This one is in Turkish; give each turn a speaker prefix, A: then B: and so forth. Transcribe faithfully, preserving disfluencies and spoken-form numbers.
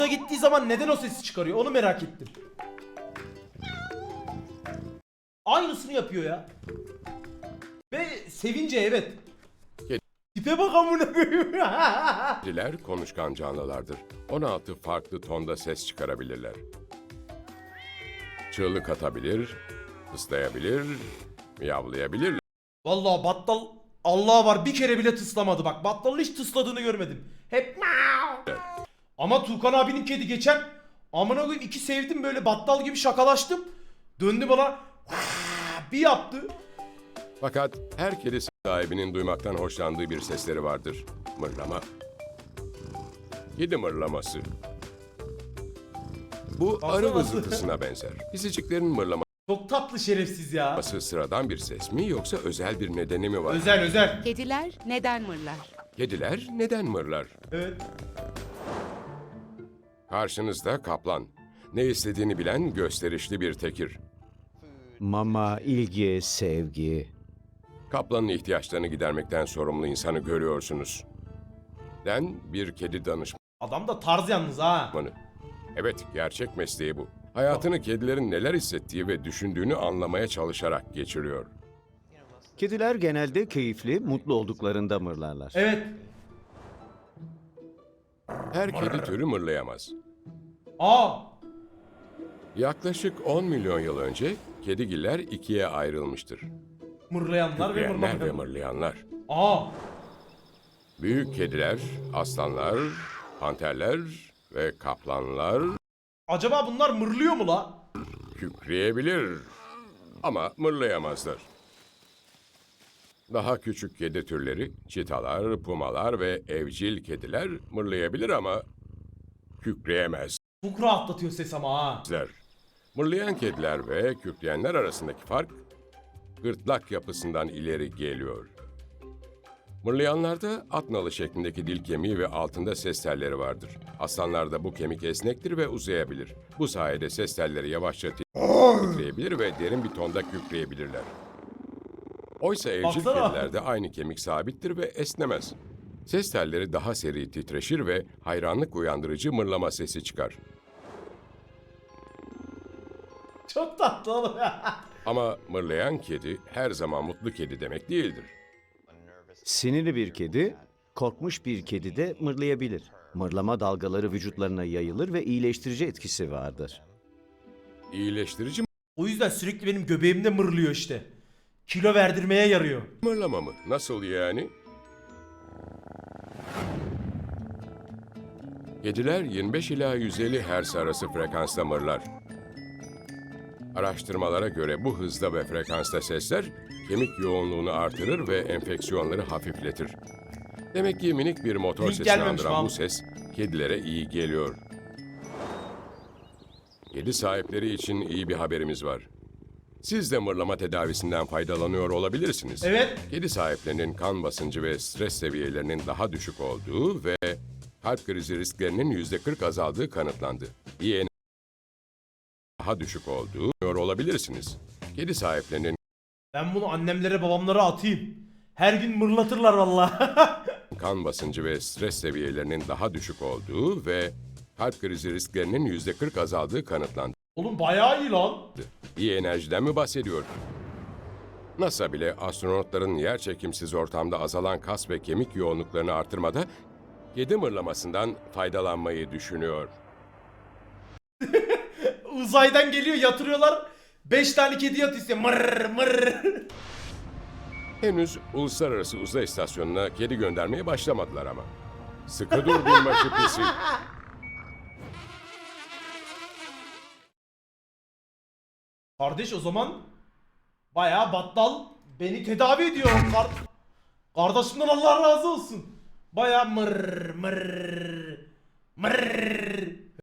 A: gittiği zaman neden o sesi çıkarıyor onu merak ettim. Aynısını yapıyor ya. Ve sevince evet. Tipe bak amına koyayım.
B: Kediler konuşkan canlılardır. on altı farklı tonda ses çıkarabilirler. Çığlık atabilir, ıslayabilir, miyavlayabilirler.
A: Vallahi battal Allah var bir kere bile tıslamadı bak. Battalın hiç tısladığını görmedim. Hep miau. Ama Tuğkan abinin kedi geçen amına koyayım iki sevdim böyle battal gibi şakalaştım. Döndü bana bir yaptı.
B: Fakat her kedi sahibinin duymaktan hoşlandığı bir sesleri vardır. Mırlama. Kedi mırlaması. Bu
A: Baksana
B: arı
A: nasıl?
B: vızıltısına benzer. Pisiciklerin mırlaması
A: Çok tatlı şerefsiz ya.
B: sıradan bir ses mi yoksa özel bir nedeni mi var?
A: Özel özel.
C: Kediler neden mırlar?
B: Kediler neden mırlar?
A: Evet.
B: Karşınızda kaplan. Ne istediğini bilen gösterişli bir tekir.
D: Mama, ilgi, sevgi.
B: Kaplanın ihtiyaçlarını gidermekten sorumlu insanı görüyorsunuz. Den bir kedi danışmanı.
A: Adam da tarz yalnız ha.
B: Evet, gerçek mesleği bu. Hayatını kedilerin neler hissettiği ve düşündüğünü anlamaya çalışarak geçiriyor.
D: Kediler genelde keyifli, mutlu olduklarında mırlarlar.
A: Evet.
B: Her kedi türü mırlayamaz.
A: Aa.
B: Yaklaşık on milyon yıl önce kedigiller ikiye ayrılmıştır.
A: Mırlayanlar ve
B: Kükreyenler ve
A: mırlamayanlar.
B: mırlayanlar.
A: Aa.
B: Büyük kediler, aslanlar, panterler ve kaplanlar
A: Acaba bunlar mırlıyor mu la?
B: kükreyebilir ama mırlayamazlar. Daha küçük kedi türleri, çitalar, pumalar ve evcil kediler mırlayabilir ama kükreyemezler.
A: Çok rahatlatıyor ses ama ha.
B: Mırlayan kediler ve kükreyenler arasındaki fark gırtlak yapısından ileri geliyor. Mırlayanlarda at nalı şeklindeki dil kemiği ve altında ses telleri vardır. Aslanlarda bu kemik esnektir ve uzayabilir. Bu sayede ses telleri yavaşça titreyebilir ve derin bir tonda kükreyebilirler. Oysa evcil
A: Baksana.
B: kedilerde aynı kemik sabittir ve esnemez. Ses telleri daha seri titreşir ve hayranlık uyandırıcı mırlama sesi çıkar.
A: Çok tatlı oğlum ya.
B: Ama mırlayan kedi her zaman mutlu kedi demek değildir.
D: Sinirli bir kedi, korkmuş bir kedi de mırlayabilir. Mırlama dalgaları vücutlarına yayılır ve iyileştirici etkisi vardır.
B: İyileştirici
A: O yüzden sürekli benim göbeğimde mırlıyor işte. Kilo verdirmeye yarıyor.
B: mırlama mı? Nasıl yani? Kediler yirmi beş ila yüz elli hertz arası frekansta mırlar. Araştırmalara göre bu hızda ve frekansta sesler kemik yoğunluğunu artırır ve enfeksiyonları hafifletir. Demek ki minik bir motor
A: Link
B: sesini
A: gelmemiş
B: andıran
A: lan.
B: bu ses kedilere iyi geliyor. Kedi sahipleri için iyi bir haberimiz var. Siz de mırlama tedavisinden faydalanıyor olabilirsiniz.
A: Evet.
B: Kedi sahiplerinin kan basıncı ve stres seviyelerinin daha düşük olduğu ve kalp krizi risklerinin yüzde kırk azaldığı kanıtlandı. İyi enerji daha düşük olduğu olabilirsiniz. Kedi sahiplerinin
A: Ben bunu annemlere babamlara atayım. Her gün mırlatırlar vallahi.
B: kan basıncı ve stres seviyelerinin daha düşük olduğu ve kalp krizi risklerinin yüzde kırk azaldığı kanıtlandı.
A: Oğlum bayağı iyi lan.
B: İyi enerjiden mi bahsediyor? NASA bile astronotların yerçekimsiz ortamda azalan kas ve kemik yoğunluklarını artırmada kedi mırlamasından faydalanmayı düşünüyor.
A: Uzaydan geliyor yatırıyorlar. Beş tane kedi yat istiyor. Mırr mırr.
B: Henüz uluslararası uzay istasyonuna kedi göndermeye başlamadılar ama. Sıkı dur binbaşı pisi.
A: Kardeş o zaman bayağı battal beni tedavi ediyor. Kar Kardeşimden Allah razı olsun. Bayağı mırr mırr mırr.